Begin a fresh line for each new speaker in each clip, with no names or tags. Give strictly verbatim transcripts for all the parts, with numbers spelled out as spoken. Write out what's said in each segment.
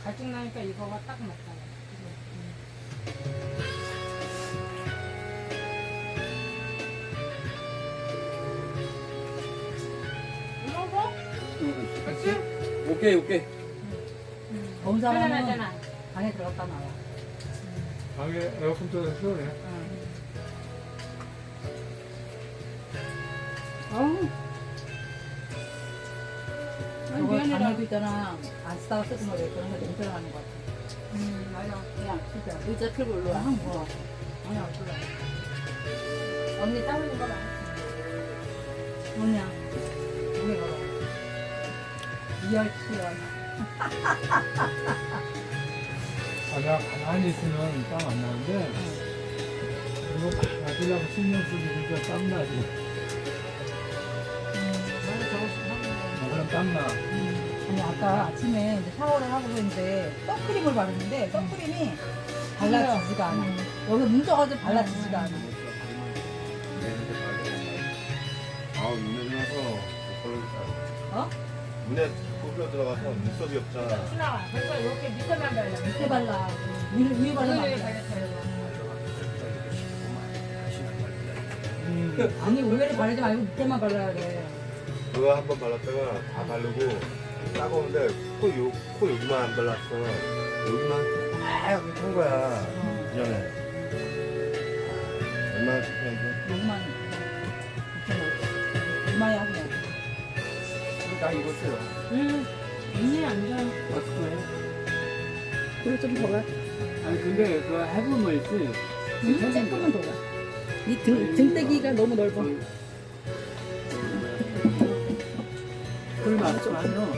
갈증 나니까 이거가 딱 맞잖아. 이거 뭐? 그치?
오케이 오케이.
더운 사람은
편안하잖아.
방에 들어갔다 나와.
방에 에어컨 틀어서 시원해.
어우. 아니,
저거
미안해라.
방에도 있잖아. 안 쓰다가 쓰던 거 그런 거 냄새가 나는 거 같아.
음, 맞아.
그냥 진짜 의자 틀고 일로 와. 한 거.
아니, 안 그래.
언니 땀 흘린 거 봐. 뭐냐. 우리 걸어. 이열치열.
아, 내가 가만히 있으면 땀 안 나는데, 이거 막 맞으려고 신경 쓰고 진짜 땀 나지.
맞아, 저거 좀 하는 거.
아, 그럼 땀 나.
아니 아까 아침에 이제 샤워를 하고 있는데 선크림을 바르는데 선크림이 발라지지가 않아. 여기 뭉쳐가지고 발라지지가 않아.
아 눈에 나서
어?
눈에 꼽혀 들어가서 눈썹이 없잖아.
순아, 그래서 이렇게 밑에만 발라.
밑에 발라. 위에 위에 바르면 안
위에
돼.
발라.
음.
아니 위에를 바르지 말고 밑에만 발라야 돼.
그거 한 번 발랐다가 다 바르고 따가운데 코, 요, 코 여기만 안 발랐어. 여기만 딱 여기 한 거야. 그전에 얼마나 창피한데?
여기만 밑에만. 이마야 그냥.
나 입었어요.
음, 눈이 안 좋아.
마스크에.
그리고 좀 더 가.
아니 근데 그 해보면 있지.
응? 조금만 더 가. 이 등, 등대기가 너무 넓어.
그 맞추면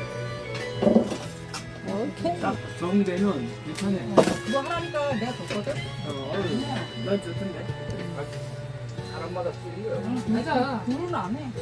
오케이.
딱 정되면 괜찮아.
어, 그거 하라니까 내가 줬거든?
어, 어휴, 난 좋던데. 사람마다 틀린 거야.
응,
맞아.
불은 안 해.